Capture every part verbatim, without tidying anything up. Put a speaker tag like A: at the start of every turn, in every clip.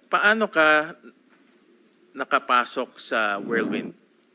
A: paano ka nakapasok sa Whirlwind?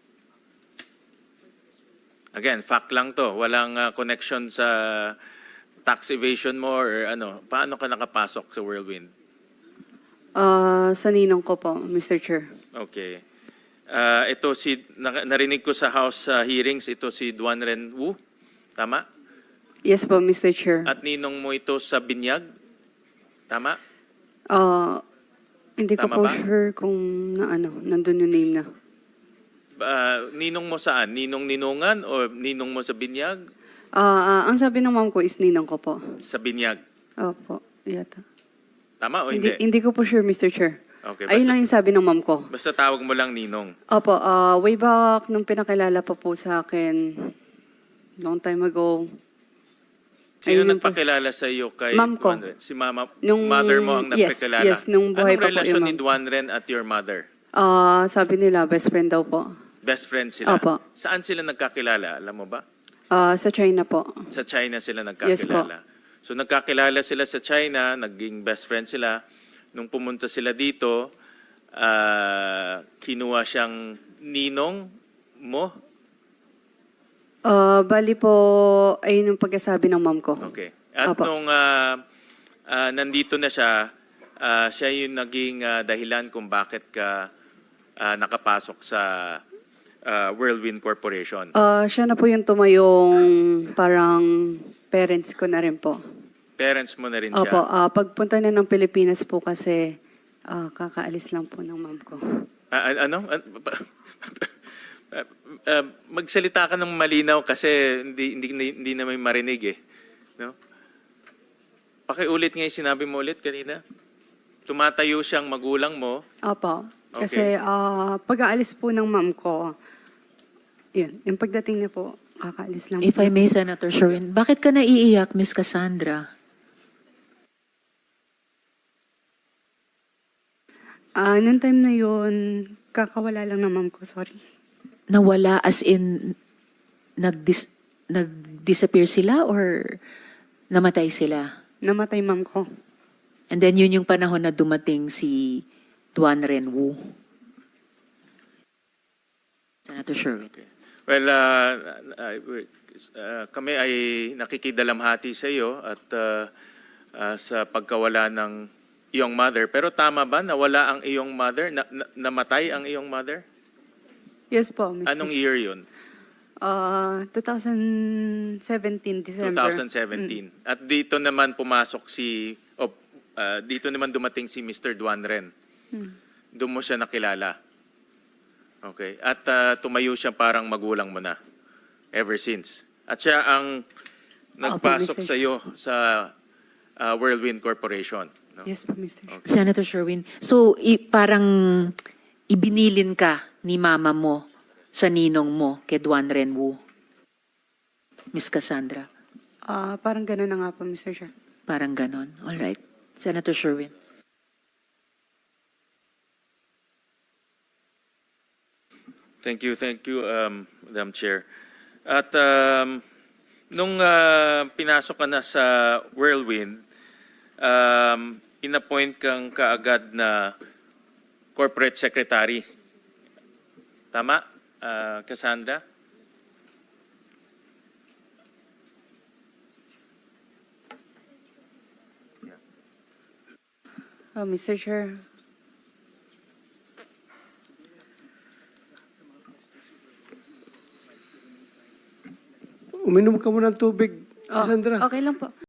A: Again, fact lang to. Walang uh, connection sa tax evasion mo or ano. Paano ka nakapasok sa Whirlwind?
B: Ah, sa ninong ko po, Mister Chair.
A: Okay. Uh, ito si, na, narinig ko sa House uh, hearings, ito si Duan Ren Wu. Tama?
B: Yes po, Mister Chair.
A: At ninong mo ito sa Binyag? Tama?
B: Ah, hindi ko
A: Tama
B: po
A: ba?
B: sure kung na ano, nandun yung name na.
A: Uh, ninong mo saan? Ninong Ninungan o ninong mo sa Binyag?
B: Ah, ah, ang sabi ng mom ko is ninong ko po.
A: Sa Binyag.
B: Opo, yata.
A: Tama o
B: Hindi,
A: hindi?
B: hindi ko po sure, Mister Chair.
A: Okay,
B: Ayun
A: basta,
B: lang yung sabi ng mom ko.
A: basta tawag mo lang ninong.
B: Opo, ah, way back nung pinakilala pa po sa akin, long time ago.
A: Sino
B: Ayun yung po.
A: nagpakilala sa iyo kay
B: Ma'am ko.
A: Duan Ren? Si mama,
B: Nung-
A: mother mo ang
B: yes,
A: nagpakilala?
B: yes, nung buhay
A: Anong
B: pa po
A: relasyon
B: yung
A: ni
B: ma'am.
A: Duan Ren at your mother?
B: Ah, sabi nila, best friend daw po.
A: Best friends sila?
B: Opo.
A: Saan sila nagkakilala? Alam mo ba?
B: Ah, sa China po.
A: Sa China sila
B: Yes po.
A: nagkakilala. So nagkakilala sila sa China, naging best friend sila. Nung pumunta sila dito, ah, kinuha siyang ninong mo?
B: Ah, bali po, ayun yung pagkasabi ng mom ko.
A: Okay. At
B: Opo.
A: nung ah, ah, nandito na siya, ah, siya yung naging ah, dahilan kung bakit ka ah, nakapasok sa ah, Whirlwind Corporation.
B: Ah, siya na po yung tumayong parang parents ko na rin po.
A: Parents mo na rin siya.
B: Opo, ah, pagpunta na ng Pilipinas po kasi ah, kakaalis lang po ng mom ko.
A: Ah, an- ano? An- Ah, ah, magsalita ka ng malinaw kasi hindi hindi hindi na may marinig eh. No? Pakiulit nga yung sinabi mo ulit kanina. Tumatayo siyang magulang mo.
B: Opo,
A: Okay.
B: kasi ah, pag-aalis po ng mom ko, yun, yung pagdating niya po, kakaalis lang
C: If
B: po.
C: I may, Senator Sherwin, bakit ka naiiyak, Miss Cassandra?
B: Ah, nung time na yun, kakawala lang ng mom ko, sorry.
C: Nawala as in nag-dis nag-disappear sila or namatay sila?
B: Namatay mom ko.
C: And then yun yung panahon na dumating si Duan Ren Wu. Senator Sherwin.
A: Okay. Well, uh, uh, uh, kami ay nakikidalamhati sa iyo at uh, uh, sa pagkawala ng iyong mother. Pero tama ba nawala ang iyong mother? Na, na- namatay ang iyong mother?
B: Yes po, Mister
A: Anong year yun?
B: Ah, twenty seventeen, December.
A: twenty seventeen. At dito naman pumasok si, o uh, dito naman dumating si Mister Duan Ren.
B: Hmm.
A: Doon mo siya nakilala. Okay. At uh, tumayo siya parang magulang mo na. Ever since. At siya ang nagpasok
B: Mister
A: sa iyo sa uh, Whirlwind Corporation. No?
B: Yes po, Mister
A: Okay.
C: Senator Sherwin, so i- parang ibinilin ka ni mama mo sa ninong mo kay Duan Ren Wu. Miss Cassandra,
B: Ah, parang gano'n na nga po, Mister Chair.
C: parang ganon. All right. Senator Sherwin.
A: Thank you, thank you, um, Madam Chair. At um, nung uh, pinasok ka na sa Whirlwind, um, inappoint kang kaagad na corporate secretary. Tama, uh, Cassandra?
B: Oh, Mister Chair.
D: Uminom ka muna ng tubig,
B: Oh,
D: Sandra.
B: okay lang po.